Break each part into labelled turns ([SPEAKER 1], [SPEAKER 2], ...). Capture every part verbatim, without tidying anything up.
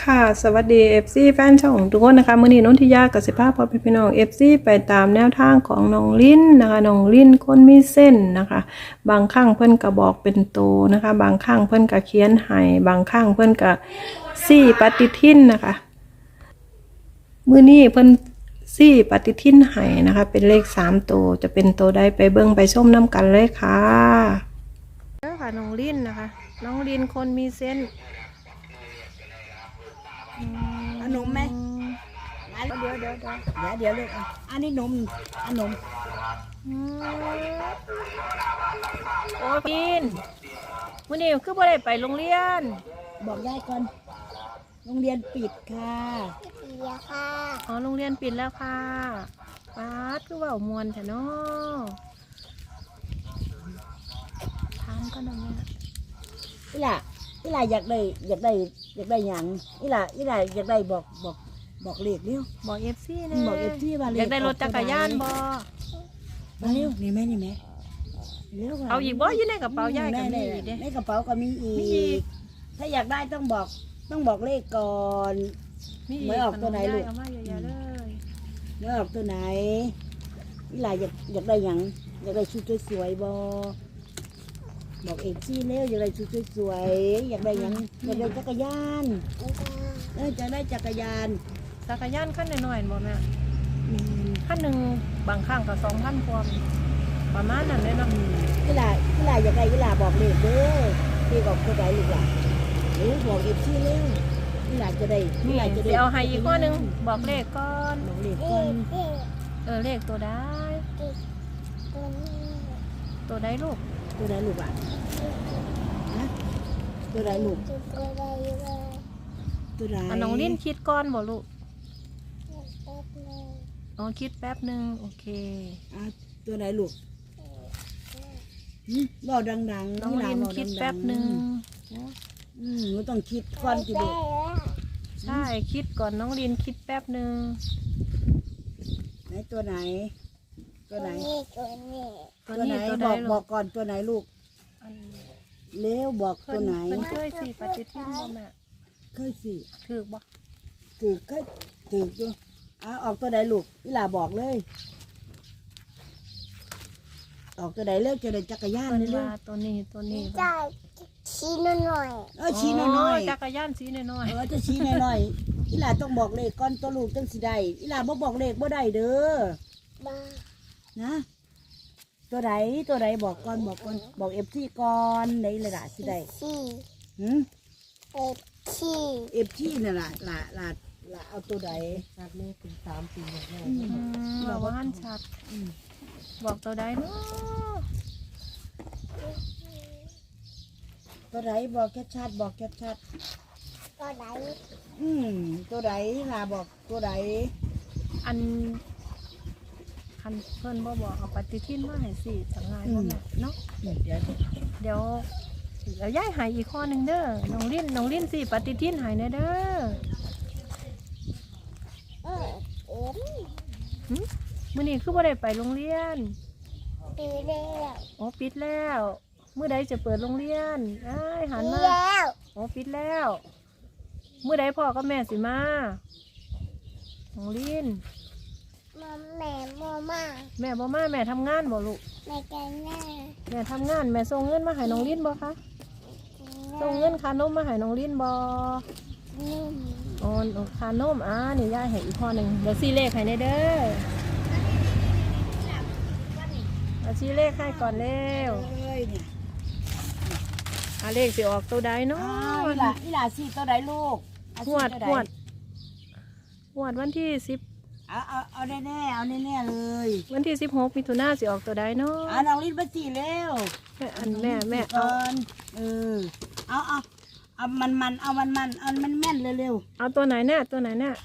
[SPEAKER 1] ค่ะสวัสดี เอฟ ซี แฟนช่องทุกคนนะคะมื้อนี้นนทิยากับสิภาพพอเป็นพี่น้อง เอฟ ซี ไปตามแนวทางของน้องลิ้นนะคะน้องลิ้นคนมีเส้นนะคะบางครั้งเพิ่นก็บอกเป็นโตนะคะบางครั้งเพิ่นก็เขียนให้บางครั้งเพิ่นก็ซี่ปฏิทินนะคะมื้อนี้เพิ่นซี่ปฏิทินให้นะคะเป็นเลขสามโตจะเป็นโตใดไปเบิ่งไปชมน้ำกันเลยค่ะเด้อค่ะน้องลิ้นนะคะน้องลิ้นคนมีเส้น
[SPEAKER 2] เอานมไหมเดี๋ยวเดี๋ยวเดี๋ยวเดี๋ยวเดี๋ยวเลยอันนี้นมอันนม
[SPEAKER 1] โอ้ยกินมื้อนี้คือบ่ได้ไปโรงเรียน
[SPEAKER 2] บอกยายก่อนโรงเรียนปิดค่ะ
[SPEAKER 3] ปิดแล้วค่ะ
[SPEAKER 1] อ๋อโรงเรียนปิดแล้วค่ะป๊าดคือเว้ามวนแท้เนาะถามกันหน่อยนะ
[SPEAKER 2] อีหล่ะอีหล่ะอยากได้อยากได้อยากได้หยังอีหล่ะอีหล่ะอยากได้บอกบอกบอกเลขเร็ว
[SPEAKER 1] บอก เอฟ ซี นะ
[SPEAKER 2] บอก เอฟ ซี ว่าเลข
[SPEAKER 1] อยากได้รถจักรยานบ่
[SPEAKER 2] มาเร็วนี่แม่นี่แม่เร็ว
[SPEAKER 1] เอาอีกบ่อยู่ในกระเป๋ายายก็มีอีกเด้
[SPEAKER 2] ในกระเป๋าก็มีอีกถ้าอยากได้ต้องบอกต้องบอกเลขก่อนไม่ออกตัวไหนลูก
[SPEAKER 1] เอามาเยอะๆเลย
[SPEAKER 2] ไม่ออกตัวไหนอีหล่ะอยากอยากได้หยังอยากได้ชุดสวยๆบ่บอกเอฟซีเร็วอยากได้ชุดสวยๆอยากได้หยังอยากได้จักรยานเออจะได้จักรยาน
[SPEAKER 1] จักรยานขั้นหน่อยๆบ่แม่ขั้นหนึ่งบางครั้งก็สองพันกว่าประมาณนั้นเลยเนาะ
[SPEAKER 2] กีฬากีฬาอยากได้กีฬาบอกเลขเด้อที่บอกตัวไหนลูกหล่ะหรือบอกเอฟซีเร็วกีฬาจะได้กีฬาจะได้
[SPEAKER 1] เอาให้อีกข้อนึงบอกเลขก่อน
[SPEAKER 2] บอกเลขก่อน
[SPEAKER 1] เออเลขตัวได้ตัวได้ลูก
[SPEAKER 2] ตัวไหนลูกอ่ะฮะตัวไหนลูกตัวไหน
[SPEAKER 1] น้องลิ้นคิดก่อนบ่ลูกอ๋อคิดแป๊บนึงโอเค
[SPEAKER 2] อ่ะตัวไหนลูกบอกดังๆ
[SPEAKER 1] น้องลิ้นคิดแป๊บนึง
[SPEAKER 2] อืมหนูต้องคิดก่อนจิลูก
[SPEAKER 1] ใช่คิดก่อนน้องลิ้นคิดแป๊บนึง
[SPEAKER 2] ไหนตัวไหนตัวไหน
[SPEAKER 3] ตัว
[SPEAKER 2] นี้ตัวไหนบอกบอกก่อนตัวไหนลูกเลี้ยวบอกตัวไหน
[SPEAKER 1] มันเคยสิปฏิทินบ่แม่
[SPEAKER 2] เคยสิ
[SPEAKER 1] ถือบ่
[SPEAKER 2] ถือเคยถืออยู่อ่ะออกตัวไหนลูกนี่ล่ะบอกเลยออกตัวไหนเลิกจะได้จักรยานเลยลูก
[SPEAKER 1] ตัวนี้ตัวนี้
[SPEAKER 3] จะชี้หน่อย
[SPEAKER 2] เออชี้น้อย
[SPEAKER 1] จักรยานชี้น้อย
[SPEAKER 2] เออจะชี้น้อยนี่ล่ะต้องบอกเลขก่อนตัวลูกต้องสิได้นี่ล่ะบ่บอกเลขบ่ได้เด้อนะตัวไหนตัวไหนบอกก่อนบอกก่อนบอกเอฟซีก่อนไหนเลยล่ะสิได้หืม
[SPEAKER 3] เอฟซี
[SPEAKER 2] เอฟซีนี่ล่ะล่ะล่ะล่ะเอาตัวไหนชัดเลยถึงสามปีแล้ว
[SPEAKER 1] บอกว่าหันชัดบอกตัวไหนเนาะ
[SPEAKER 2] ตัวไหนบอกแค่ชัดบอกแค่ชัด
[SPEAKER 3] ตัวไหน
[SPEAKER 2] อืมตัวไหนล่ะบอกตัวไหน
[SPEAKER 1] อันคันเพิ่นบ่บอกเอาปฏิทินมาให้สิจังไงบ่แม่เนาะ
[SPEAKER 2] เดี๋ยวเดี๋ยว
[SPEAKER 1] เดี๋ยวแล้วย้ายให้อีกข้อนึงเด้อน้องลิ้นน้องลิ้นสิปฏิทินให้แน่เด้อ
[SPEAKER 3] เออเอ็ม
[SPEAKER 1] หึมื้อนี้คือบ่ได้ไปโรงเรียน
[SPEAKER 3] ปิดแล้ว
[SPEAKER 1] อ๋อปิดแล้วมื้อใดจะเปิดโรงเรียนเอ้ยหันมาอ๋อปิดแล้วมื้อใดพ่อกับแม่สิมาน้องลิ้น
[SPEAKER 3] แม่โมมา
[SPEAKER 1] แม่บ่มาแม่ทำงานบ่ลูก
[SPEAKER 3] แม่กันแม่
[SPEAKER 1] แม่ทำงานแม่ส่งเงินมาให้น้องลิ้นบ่คะส่งเงินค่านมมาให้น้องลิ้นบ่อ๋อค่านมอ่านี่ยายให้อีกข้อหนึ่งเดี๋ยวชี้เลขให้ในเด้อเอาชี้เลขให้ก่อนเร็วอ่าเลขสิออกตัวใดเนาะ
[SPEAKER 2] นี่ล่ะนี่ล่ะสิตัวใดลูก
[SPEAKER 1] หวดหวดหวดวันที่สิบ
[SPEAKER 2] เอาเอาเอาแน่แน่เอาแน่แน่เลย
[SPEAKER 1] วันที่สิบหกมิถุนายนสิออกตัวใดเนาะ
[SPEAKER 2] อ่าน้องลิ้นมาจีเร็ว
[SPEAKER 1] แม่อันแม่แม่
[SPEAKER 2] เอาเออเอาเอาเอามันมันเอามันมันเอามันแม่นเร็ว
[SPEAKER 1] เอาตัวไหนแน่ตัวไหนแน่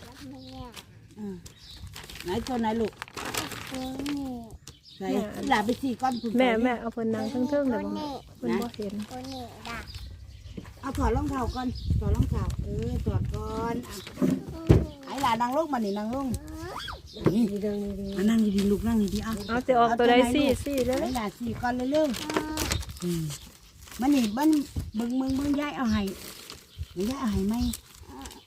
[SPEAKER 2] ไหนตัวไหนลูกไหนหลาไปสี่ก้อน
[SPEAKER 1] แม่แม่เอาเพิ่นนางเทิงๆเดี๋ยวเพิ่นบ่เห็น
[SPEAKER 2] เอาถอดรองเท้าก่อนถอดรองเท้าเออถอดก่อนไอ้หลานนางลงมาหนินางลงนี่ดีดีนั่งดีๆลูกนั่งดีๆเอา
[SPEAKER 1] เอาจะออกตัวใดสี่สี่เลย
[SPEAKER 2] ไอ้หลานสี่ก้อนเร็วๆมันนี่มันเบิ่งเบิ่งเบิ่งย้ายเอาให้ย้ายเอาให้ไหม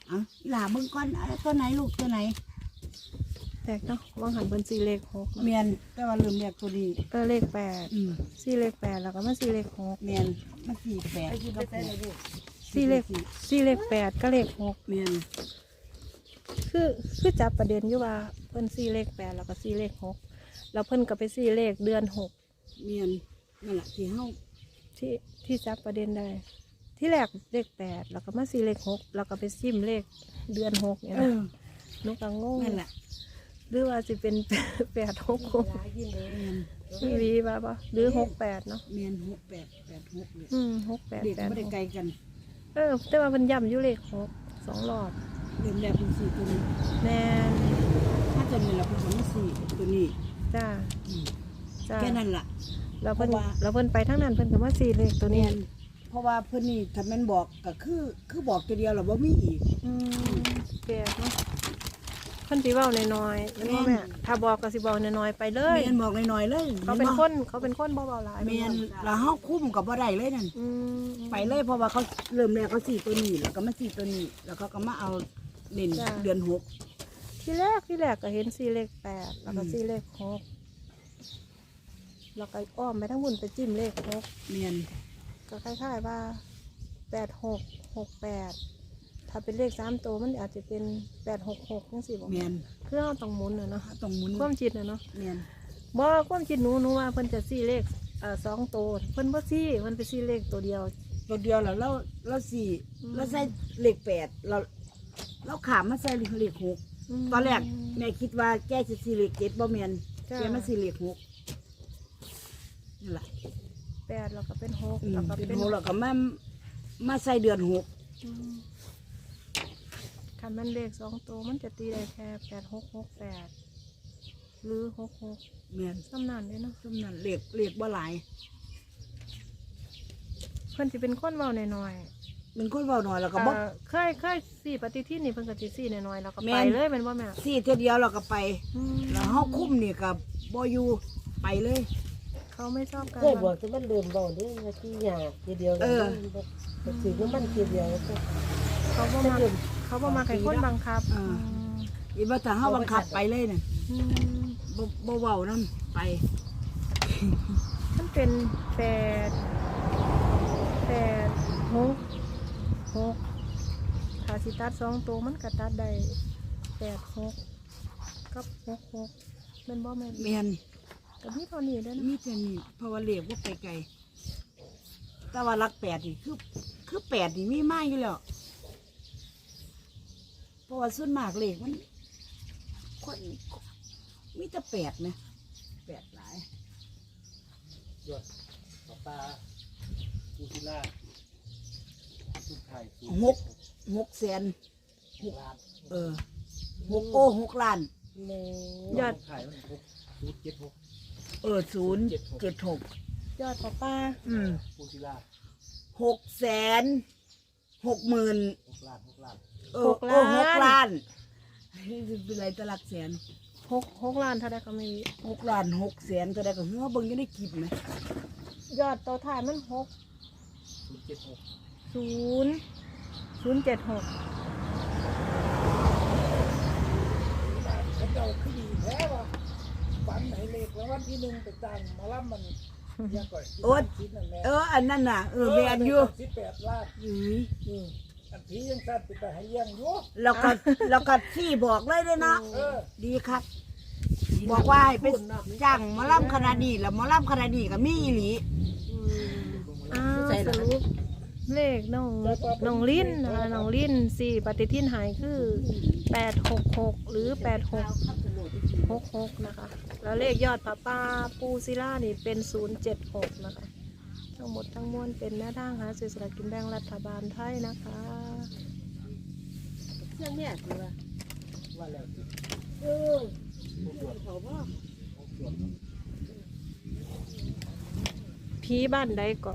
[SPEAKER 2] อ่ะอีหลาเบิ่งก่อนอะไรตัวไหนลูกตัวไหน
[SPEAKER 1] แตกเนาะว่างหันเป็นสี่เลขหก
[SPEAKER 2] เมียนแต่ว่าเริ่มแรกตัวนี้
[SPEAKER 1] เออเลขแปด
[SPEAKER 2] อืม
[SPEAKER 1] สี่เลขแปดแล้วก็มาสี่เลขหก
[SPEAKER 2] เมียนมาสี่แปดก็แปด
[SPEAKER 1] สี่เลขสี่เลขแปดก็เลขหก
[SPEAKER 2] เมียน
[SPEAKER 1] คือคือจับประเด็นอยู่ว่าเพิ่นสี่เลขแปดแล้วก็สี่เลขหกแล้วเพิ่นก็ไปสี่เลขเดือนหก
[SPEAKER 2] เมียนนั่นแหละที่เฮา
[SPEAKER 1] ที่ที่จับประเด็นได้ ที่แรกเลขแปดแล้วก็มาสี่เลขหกแล้วก็ไปซิมเลขเดือนหกเนี่ย
[SPEAKER 2] เอ
[SPEAKER 1] นะ
[SPEAKER 2] อ
[SPEAKER 1] นุกังงง
[SPEAKER 2] นั่นแหละ
[SPEAKER 1] หรือว่าจะเป็น แปดหกหก
[SPEAKER 2] เมียน
[SPEAKER 1] มีวีป่ะปะหรือหกแปดเนาะ
[SPEAKER 2] เมียนหกแปดแปดหกเลย
[SPEAKER 1] อืมหกแปด
[SPEAKER 2] เด็ก
[SPEAKER 1] แปด
[SPEAKER 2] ไม่ได้
[SPEAKER 1] หก
[SPEAKER 2] ไกลกัน
[SPEAKER 1] เออ แต่ว่ามันย่ำอยู่เลขหกสองรอบ
[SPEAKER 2] เริ่มแรกเป็นสี่ตัวนี้
[SPEAKER 1] แน่น
[SPEAKER 2] ถ้าตัวนี้เราเป็นสองสี่ตัวนี้
[SPEAKER 1] จ้า
[SPEAKER 2] อืม
[SPEAKER 1] จ้า
[SPEAKER 2] แค่นั้นล่ะ
[SPEAKER 1] เราเพิ่น
[SPEAKER 2] เพราะว่า
[SPEAKER 1] เราเพิ่นไปทั้งนั้นเพิ่นก็มาสี่เลขตัว
[SPEAKER 2] เมี
[SPEAKER 1] นี้
[SPEAKER 2] ยนเพราะว่าเพื่อนนี่ถ้าแม่นบอกก็คือคือบอกตัวเดียวเราบ่มีอีก
[SPEAKER 1] อืมแปลกเนาะเพิ่นสิเว้าน้อยๆแม่นบ่แม่ถ้าบอกก็สิเว้าน้อยๆไปเลย
[SPEAKER 2] เมียนบอกหน่อยๆเลย
[SPEAKER 1] เขาเป็นคนเขาเป็นคนบ่เว้าหลาย
[SPEAKER 2] เมียนเราเฮาคุ้มกับบ่ได้เลยนั่น
[SPEAKER 1] อืม
[SPEAKER 2] ไปเลยเพราะว่าเขาเริ่มแรกเขาสี่ตัวนี้แล้วก็มาสี่ตัวนี้ แล้วเขาก็มาเอาเล่นเดือนหก
[SPEAKER 1] ที่แรกที่แรกก็เห็นสี่เลขแปดแล้วก็
[SPEAKER 2] อืม
[SPEAKER 1] สี่เลขหกแล้วก็อ้อมไปทั้งบุญไปจิ้มเลขหก
[SPEAKER 2] เมียน
[SPEAKER 1] ก็คล้ายๆว่าแปดหกหกแปดถ้าเป็นเลขสามตัวมันอาจจะเป็นแปดหกหกยังสี่บอก
[SPEAKER 2] เมียน
[SPEAKER 1] คือเราต้องหมุนนะเนาะ
[SPEAKER 2] ต้องหมุน
[SPEAKER 1] ความจิตนะเนาะ
[SPEAKER 2] เมียน
[SPEAKER 1] บ่ความจิตหนูหนูว่าเพิ่นจะสี่เลขเอ่อสองตัวเพิ่นบ่สี่เพิ่นไปสี่เลขตัวเดียว
[SPEAKER 2] ตัวเดียวแล้วเราเราสี่
[SPEAKER 1] อืม
[SPEAKER 2] เราใส่เลขแปดเราเราขามมาใส่เลขหก
[SPEAKER 1] ม
[SPEAKER 2] ตอนแรกแม่คิดว่าแกจะสี่เลขเจ็ดบ่เมียน
[SPEAKER 1] จ้ะ
[SPEAKER 2] แกมาสี่เลขหกนี่แหละ
[SPEAKER 1] แปดแล้วก็เป็นหก
[SPEAKER 2] อืม
[SPEAKER 1] แล้วก็
[SPEAKER 2] เป็น
[SPEAKER 1] เป็น
[SPEAKER 2] หกแล้วก็มามาใส่เดือนหก
[SPEAKER 1] อืมคันมันเลขสองตัวมันจะตีได้แค่แปดหกหกแปดหรือหกหก
[SPEAKER 2] เมียน
[SPEAKER 1] ซ้ำนั่นเลยเนาะ
[SPEAKER 2] ซุ่มนั้นเลขเลขบ่หลาย
[SPEAKER 1] เพิ่นสิเป็นคนเว้าน้อย
[SPEAKER 2] มันคนเบาหน่อยแล้ว
[SPEAKER 1] ๆ
[SPEAKER 2] ก็บ่
[SPEAKER 1] เอ่อเคยเคยสี่ปฏิทินนี่เพิ่นก็สิสี่น้อยๆแล้วก็
[SPEAKER 2] แม่
[SPEAKER 1] ไป
[SPEAKER 2] น
[SPEAKER 1] เลยแม่นบ่แม่
[SPEAKER 2] สี่เท่าเดียวเราก็ไป
[SPEAKER 1] อืม
[SPEAKER 2] แล้วเฮาคุ้มนี่ก็บ่อยู่ไปเลย
[SPEAKER 1] เขาไม่ชอบการ
[SPEAKER 4] เคยบอกจะมันเดิมเบาเด้อที่ยาทีเดียว
[SPEAKER 2] เออ
[SPEAKER 4] ก็ถือว่ามันทีเดียวก็
[SPEAKER 1] เขาบ่มาเขาบ่มาให้คนบังคับ
[SPEAKER 2] เออ อีว่าถ้าเฮาบังคับไปเลยน่ะ
[SPEAKER 1] อืม
[SPEAKER 2] บ่บ่เว้านำไป
[SPEAKER 1] มันเป็นแปดแปดหกหกถ้าสิตัดสองตัวมันก็ตัดได้แปดหกกับหกหกแม่นบ่แม่น
[SPEAKER 2] แม่น
[SPEAKER 1] ก็มีเท่านี้เด้อนะ
[SPEAKER 2] มีแต่นี่เพราะว่าเลขบ่ไปไกลแต่ว่าหลักแปดนี่คือคือแปดนี่มีมาอยู่แล้วเพราะว่าส่วนมากเลขมันคนมีแต่แปดนะแปดหลาย
[SPEAKER 5] ยอดปลาปลาปูซิล่าลูกไข่
[SPEAKER 2] หกหกแสน
[SPEAKER 5] ล้าน
[SPEAKER 2] เออหกโอ้หกล้าน
[SPEAKER 4] แม่
[SPEAKER 1] ยอด
[SPEAKER 5] ลูกไข่มันหกศูนย์เจ็ดหก
[SPEAKER 2] เออศูนย์เจ็ดหก
[SPEAKER 1] ยอดป้าป้า
[SPEAKER 2] อืม
[SPEAKER 5] ปูซิล่า
[SPEAKER 2] หกแสนหกหมื่น
[SPEAKER 5] หกล้านหกล้าน
[SPEAKER 2] เออเออหกล้านนี่เป็นไรตะลักแสน
[SPEAKER 1] หกหกล้านเท่าไดก็มี
[SPEAKER 2] หกล้านหกแสนก็ได้ก็เฮ้อเบิ่งยังได้คลิปไหม
[SPEAKER 1] ยอดตัวถ่ายมันหก
[SPEAKER 5] ศูนย์เจ็ดหก
[SPEAKER 1] ศูนย์ศูนย์เจ็ดหก
[SPEAKER 5] เขาเจ้าขึ้นดีแท้ว่ะฝันไหนเล็กแล้ววันที่หนึ่งไปตั้งมาล่ำมันยังก่อย
[SPEAKER 2] โอ๊ย
[SPEAKER 5] คิดนั่นแหละ
[SPEAKER 2] เอออันนั้นน่ะเออแมนอยู่
[SPEAKER 5] สิบแปดล้าน
[SPEAKER 2] อืม
[SPEAKER 5] อืมอันที่ยังสั้นไปแต่ให้เลี้ยังอยู่
[SPEAKER 2] แล้วก็แล้วก็ที่บอกเลยเด้อเนาะ
[SPEAKER 5] เออ
[SPEAKER 2] ดีครับ บอกว่าให้ไปจ้างหมอลำคณะดีแล้วหมอลำคณะดีก็มีอีหลี
[SPEAKER 1] อ้าวสรุปเลขน้องน้องลิ้นนะคะน้องลิ้นสี่ปฏิทินหายคือแปดหกหกหรือแปดหกหกหกนะคะ แล้วเลขยอดป้าป้าปูซิล่านี่เป็นศูนย์เจ็ดหกนะคะ ทั้งหมดทั้งมวลเป็นแนวทางหาซื้อสลากกินแบ่งรัฐบาลไทยนะคะ
[SPEAKER 4] เรื่องเนี้ยคือว่า
[SPEAKER 5] ว่าแล้วสิ
[SPEAKER 4] เออเขาว่า
[SPEAKER 1] ผีบ้านใดก็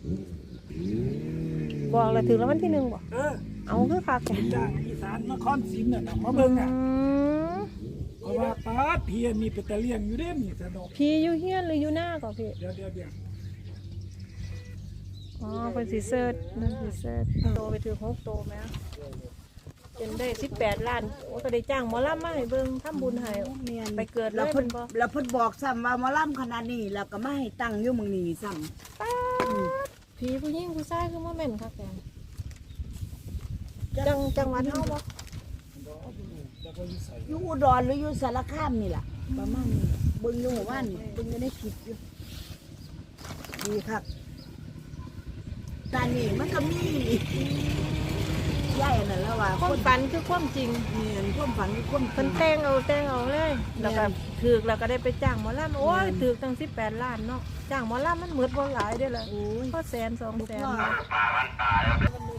[SPEAKER 1] บอกเลยถึงแล้ววันที่หนึ่งบอก
[SPEAKER 5] เออ
[SPEAKER 1] เอาคือคักแก
[SPEAKER 5] จากอีสานนครศรีน่ะนะมาเบิ่งอ่ะ
[SPEAKER 1] อืม
[SPEAKER 5] เพราะว่าป้าดเพียมีไปแต่เลี้ยงอยู่เด้มีสนุก
[SPEAKER 1] ผีอยู่เฮียนหรืออยู่หน้าก่อนพี่
[SPEAKER 5] เดี๋ยวเดี๋ยวเดี๋ยว
[SPEAKER 1] อ๋อเป็นสีเซิร์ชนั่นสีเซิร์ชโตไปถึงหกโตไหมจนได้สิบแปดล้านโอ้ก็ได้จ้างหมอลำมาให้เบิ่งทำบุญให้
[SPEAKER 2] เมียน
[SPEAKER 1] ไปเกิดเลย
[SPEAKER 2] แล้วเพิ่น
[SPEAKER 1] เพิ่นบอก
[SPEAKER 2] แล้วเพิ่นบอกซ้ำว่าหมอลำขนาดนี้แล้วก็มาให้ตั้งอยู่เมืองนี้ซ้ำ
[SPEAKER 1] ป๊าดผีผู้หญิงผู้ชายคือบ่แม่นคักแกจังจังหวัดเฮาบ่
[SPEAKER 5] แล้วก็วิสัย
[SPEAKER 2] อยู่อุดรหรืออยู่สารคามนี่ล่ะประมาณนี้เบิ่งอยู่หมู่บ้านนี่เบิ่งอยู่ในคลิปอยู่ดีครับตอนนี้มันก็มีใหญ่นั่นแล้วว่า
[SPEAKER 1] ความฝันคือความจริง
[SPEAKER 2] เมียนความฝันคือความจริ
[SPEAKER 1] เพิ่น
[SPEAKER 2] ง
[SPEAKER 1] แต่งเอาแต่งเอาเลยแล้วก็ถูกแล้วก็ได้ไปจ้างหมอลำโอ้ยถูกตั้งสิบแปดล้านเนาะจ้างหมอลำมันหมดบ่หลายเด้อล่ะ
[SPEAKER 2] โอ้ย
[SPEAKER 1] ก็แสนสองแสน
[SPEAKER 2] พ่อ